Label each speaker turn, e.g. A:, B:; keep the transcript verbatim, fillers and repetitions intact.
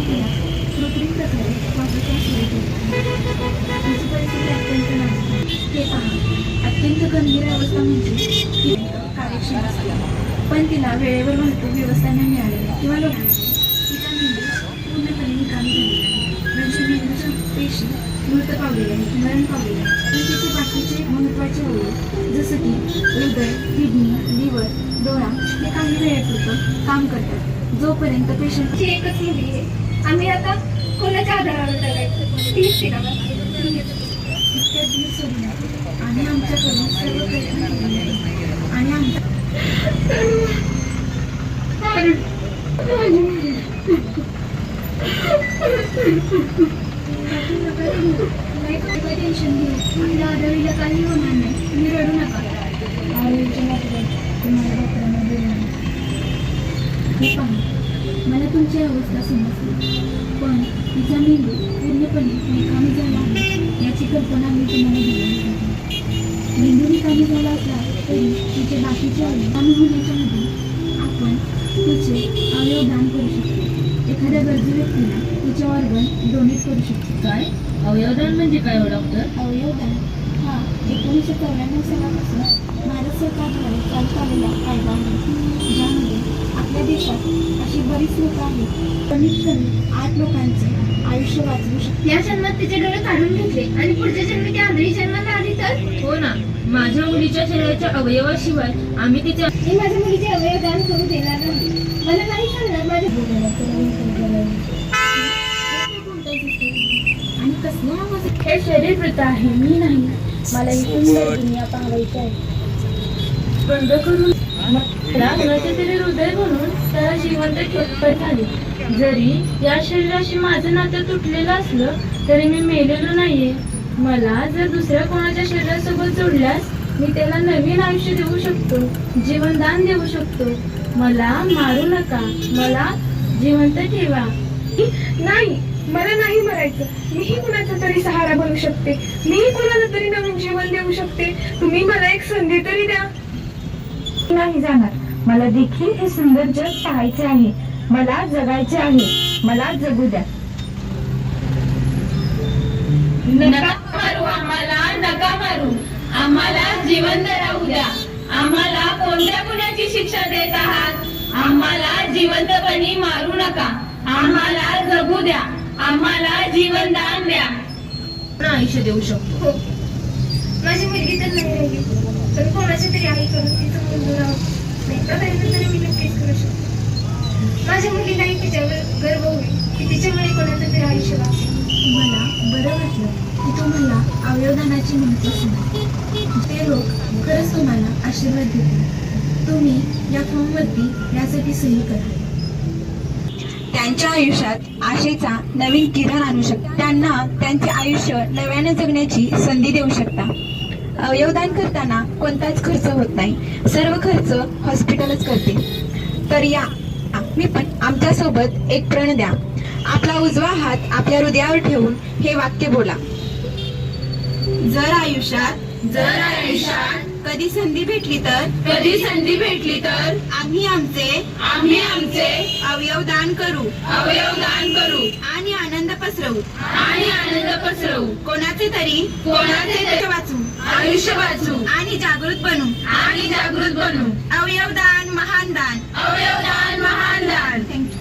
A: तिला कृत्रिम प्रकारे श्वासोच्छ्वास सुरू केला. तिची परिस्थिती अत्यंत नाजूक. हे पहा, अत्यंत गंभीर अवस्था म्हणजे ती कार्यक्षम असते, पण तिला वेळेवर वाहतूक व्यवस्था नाही मिळालेली किंवा लोक तिचा मेंदू पूर्णपणे निकामी झालेला आहे. म्हणजे मेंदूच्या पेशी मृत पावलेल्या आहेत, मरण पावलेल्या आहेत. पण तिचे बाकीचे महत्त्वाचे अवयव जसं की हृदय, किडनी, लिव्हर, डोळा हे काही वेळेपुरतं काम करतात. जोपर्यंत पेशंटची एकच मुलगी आहे, आम्ही आता कोणाच्या आधारावर जगायचं तीच तिला इतक्या दिवस सोडून आणि आमच्याकडून सर्व प्रयत्न केले आहेत आणि आमच्या टेन्शन घेऊ. आपल्या आरोग्याला काही होणार नाही, तुम्ही रडू नका. तुम्हाला डॉक्टरांना बोलणार. हे पहा, मला तुमची अवस्था समजली, पण तिचा मेंदू पूर्णपणे निकामी झाला आहे याची कल्पना मी तुम्हाला दिली नाही. मेंदू निकामी झाला असला तरी तिचे बाकीचे अवयव कमी होण्याच्या मध्ये आपण तिचे अवयव दान करू शकतो. एखाद्या गरजू व्यक्तीला तिचे ऑर्गन डोनेट करू शकतो.
B: काय अवयवदान म्हणजे काय हो डॉक्टर?
A: अवयवदान हा एकोणीसशे चौऱ्याण्णव सालापासून भारत सरकारद्वारे चालत आलेला कायदा आहे, ज्यामध्ये आपल्या देशात अशी बरीच लोक आहेत कमीत कमी आठ लोकांचे आयुष्य वाचवू शकते.
C: या जन्मात तिचे डोळे काढून घेतले आणि पुढच्या जन्मी ती आंधळी जन्माला आली तर?
B: हो ना, माझ्या मुलीच्या शरीराच्या अवयवाशिवाय आम्ही तिच्या
C: मी माझ्या मुलीचे अवयव दान करू देणार नाही. मला नाही सांगणार माझ्या
A: आणि कसल्या आवाज
C: हे शरीर मृत आहे, मी नाही. मला ही सुंदर दुनिया पाहायची आहे.
B: बंद करून मला कुणाचे तरी हृदय म्हणून त्याला जिवंत ठेवत झाले. जरी या शरीराशी माझं नातं तुटलेलं असलं तरी मी मेलेलो नाहीये. मला जर दुसऱ्या कोणाच्या शरीरासोबत जोडल्यास मी त्याला नवीन आयुष्य देऊ शकतो, जीवनदान देऊ शकतो. मला मारू नका, मला जिवंत ठेवा.
C: नाही, मला नाही मरायचं. मीही कुणाचा तरी सहारा बनू शकते, मीही कुणाला तरी नवीन जीवन देऊ शकते. तुम्ही मला एक संधी तरी द्या.
A: नाही जाणार. मला देखील हे सुंदर जग पाहायचे आहे, मला जगायचे आहे, मला जगू द्या.
B: नका मारू आम्हाला, नका मारू आम्हाला, जिवंत राहू द्या. आम्हाला कोणत्या गुन्ह्याची शिक्षा देत आहात? आम्हाला जिवंतपणी मारू नका, आम्हाला जगू द्या, आम्हाला जीवनदान द्या. आयुष्य देऊ शकतो.
C: हो, माझी मुलगी तर नाही राहिली, पण कोणाच्या तरी आई करून तिचं मुलगा नाही प्रयत्न तरी मी नक्कीच करू शकतो. माझ्या मुलीलाही तिच्यावर गर्व होईल की तिच्यामुळे कोणाचं तरी आयुष्य वाचेल.
A: मला बरं वाटलं की तुम्हाला अवयवदानाची माहिती सांगितली. ते लोक खरंच तुम्हाला आशीर्वाद देतील. तुम्ही या फॉर्मवरती यासाठी सही करा.
D: त्यांच्या आयुष्यात आशेचा नवीन किरण आणू शकता. त्यांना त्यांचे आयुष्य नव्याने जगण्याची संधी देऊ शकता. अवयवदान करताना कोणताच खर्च होत नाही, सर्व खर्च हॉस्पिटलच करते. तर या मी पण आमच्या सोबत एक प्रण द्या. आपला उजवा हात आपल्या हृदयावर ठेवून हे वाक्य बोला. जर आयुष्यात
B: जर आयुष्यात
D: कधी संधी भेटली तर
B: कधी संधी भेटली तर
D: आम्ही आमचे
B: आम्ही आमचे
D: अवयव दान करू
B: अवयवदान करू
D: आणि आनंद पसरवू.
B: आणि आनंद पसरवू.
D: कोणाचे तरी
B: कोणाचे तरी
D: वाचू
B: आयुष्य वाचू
D: आणि जागृत बनू.
B: आणि जागृत बनू.
D: अवयवदान महान दान.
B: अवयवदान महान दान.
D: थँक्यू.